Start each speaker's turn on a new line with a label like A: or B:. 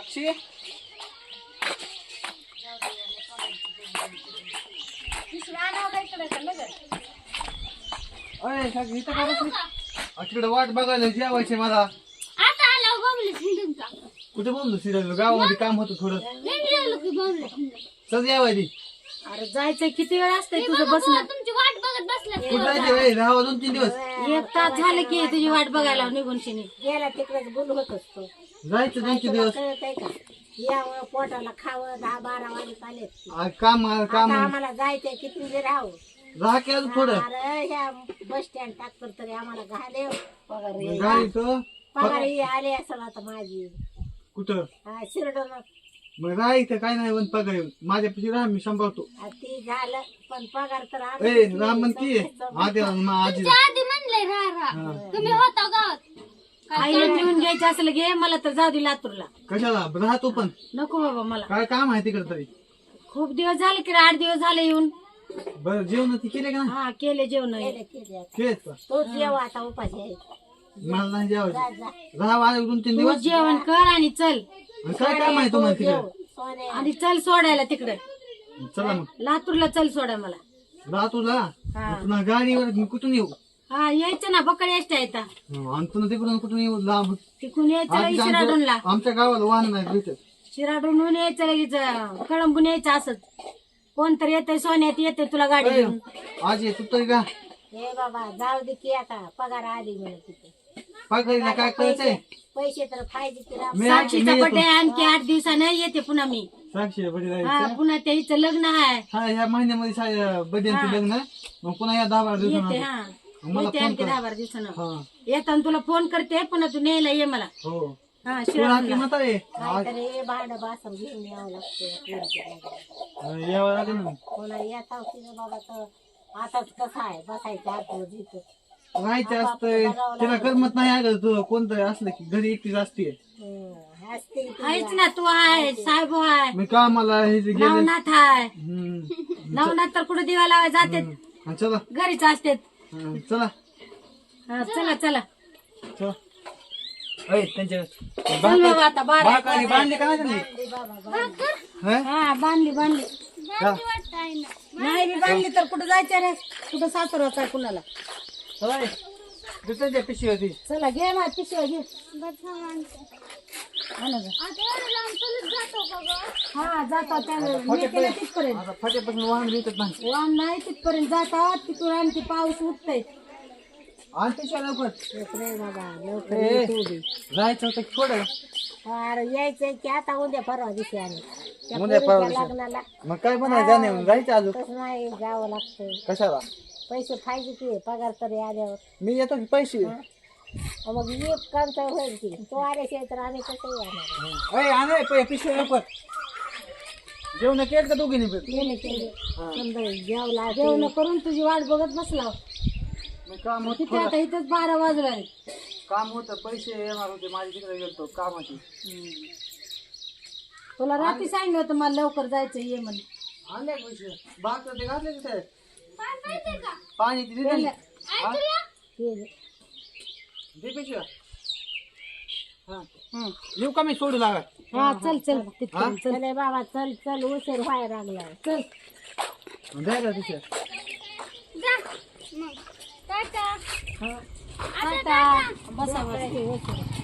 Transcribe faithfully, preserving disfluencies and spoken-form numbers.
A: साक्षी अरे साक्षी इथं का बसली? अ, तिकडे वाट बघायला जेवायचे मला.
B: आता आला बघले तुमचा
A: कुठे बोललो सिरियल गावामध्ये काम होतं थोडं.
B: निघलो की बघले
A: चल जेवायची.
C: अरे जायचंय किती वेळ असतंय तुझं बसणं?
B: तुमची वाट बघत बसले
A: कुठं जायचं रे? राहावं दोन तीन दिवस.
C: एक तास झालं की तुझी वाट बघायला निघून शिनी
D: गेला तिकडेच बोलू होत असतो.
A: जायचं दोन तीन दिवस.
D: कळत आहे का यावं पोटाला खावं दहा बारा वाजे आले
A: आ, काम आ, काम
D: आम्हाला जायचंय किती जे राहू
A: राहा की अजून थोडं.
D: अरे ह्या बस स्टँड टाकतो तरी आम्हाला घाले पगार येईल.
A: जायचं
D: पगार ही आले असेल आता माझी
A: कुठं
D: हा, शिरडोन
A: मग राहायचं काय नाही पण पगार येऊन माझ्यापाशी राहा मी सांभाळतो.
D: आ, ती झालं पण पगार तर आला.
A: ए राम म्हणती आधी आजी
B: आधी म्हणले राहा राहा तुम्ही होता गावात
C: आईला घेऊन घ्यायचं असलं घे मला तर जाऊ दे लातूरला.
A: कशाला राहतो पण
C: नको बाबा मला
A: काय काम आहे तिकडे तरी.
C: खूप दिवस झाले की रे, आठ दिवस झाले येऊन.
A: बरं जेवण ती केले का नाही?
C: हा केले जेवण
D: केले, केले.
A: केलेत का?
D: तोच जेव्हा आता उपाशी आहे.
A: मला नाही
D: जा,
A: जेवायचं.
D: जा.
A: राहा आज दोन तीन
C: तू
A: दिवस.
C: जेवण कर आणि चल
A: आणि काय काम आहे तुम्हाला तिकडे?
D: सोने
C: आणि चल सोडायला तिकडे
A: चला मग
C: लातूरला चल सोडा मला.
A: राहतोला
C: हा.
A: पुन्हा गाडीवर मी कुठून येऊ?
C: हा यायचं ना बकड एसट्या येता
A: आणि पुन्हा तिकडून कुठून येऊ लांब.
C: तिकून यायचं
A: आधी
C: लगेच शिराडूनला.
A: आमच्या आमच्या गावाला वाहन नाही भेटत.
C: शिराडून यायचं लगेच कळंबून यायचं असंच. कोणतरी येतंय सोन्यात येते तुला गाडी
A: ए,
C: घेऊन.
A: आज ये तू तरी का
D: हे बाबा जाऊ दे की आता पगार आली म्हणून तिथे
A: पगारीला काय करायचंय?
D: पैसे तर पाहिजे की राव.
A: मी
C: साक्षीचा
A: मी
C: बर्थडे
A: येतो.
C: आणखी आठ दिवसानं येते पुन्हा मी.
A: साक्षी बडी
C: हा
A: जायचं.
C: पुन्हा त्या हिचं लग्न आहे
A: हा ह्या महिन्यामध्ये बड्यांचं लग्न आहे. मग पुन्हा या दहा बारा
C: येते.
A: दिवसांना
C: हा
A: मला
C: येते
A: फोन
C: आणखी
A: कर.
C: दहा बारा दिवसानं
A: हा
C: येताना तुला फोन करते पुन्हा तू न्यायला ये मला.
A: हो
C: हा
A: तुला
C: शिराडूनला.
A: किंमत आहे.
D: काहीतरी हे भांड बासन घेऊन यावं लागतं.
A: यावं लागेल ना.
D: कोणा येता तिथं बाबा तर आताच कसं आहे बसायचं आठवड जिथं.
A: राहायचं असतंय तिला करमत नाही अगं तू कोणतं असलं की घरी एकटीच असते.
D: हं, असते ती.
C: आहेच ना तू आहे साहेब आहे
A: मी कामाला हे जे गेले
C: नवनाथ आहे.
A: हम्म.
C: नवनाथ तर कुठे दिवा लावाय जाते
A: हा, चला
C: घरीच असते.
A: हा, चला
C: हा, चला चला
A: चला ऐ, त्यांच्या
C: चल बाबा आता बारा
A: बाकाली बांधली का नाही त्यांनी? हा?
C: हा बांधली बांधली
A: हा.
C: नाही मी बांधली तर कुठं जायचं रे कुठं सासरवाच आहे कुणाला.
A: होय. दुसऱ्याच्या पिशवी होती.
C: चला घे मा पिशव्या घे. हा ना गं. हा जाता त्या तिथपर्यंत
A: आता फाट्यापासून वाहन भेटत नाही.
C: वाहन नाही तिथपर्यंत जातात तिथून आणखी पाऊस उठतय.
A: आणि पिशव्या लवकर
D: लवकर बाबा लवकर
A: ए,
D: ये तू बी.
A: जायचं होतं की थोडं
D: अरे यायचंय की आता उद्या परवा दिवशी आम्ही त्या
A: उद्या परवा
D: पोरीच्या
A: दिवशी.
D: लग्नाला
A: मग काय म्हणाय जाणे जायचं अजून
D: तसं नाही जावं लागतं.
A: कशाला
D: पैसे पाहिजे की पगार तरी आल्यावर.
A: मी येतो की पैसे
D: मग एक काम होईल की तो आल्याशिवाय तर आम्ही कसं येणार.
A: ऐ आणे पै- पिशवी लवकर जेवण केलं का दोघींनी पण?
D: केले केले समजा जेवला
C: जेवण करून तुझी वाट बघत बसला.
A: मग काम होत
C: किती आता इथंच बारा वाजला.
A: काम होतं पैसे येणार होते माझ्या तिकडे गेलतो कामाची.
C: तुला रात्री सांगितलं होतं मला लवकर जायचं ये म्हणून.
A: आणले का पैसे बाग ते घातले तिथे पाणी ते दिलं ना? हा? दे पिशव्या. हा
C: हं.
A: येऊ का मी सोडू लागा?
C: हा चल चल तिथपर्यंत चल.
D: चले बाबा चल चल उशीर व्हायला लागला.
C: चल
A: द्यायला पिशव्या.
C: टाटा बसा बसा.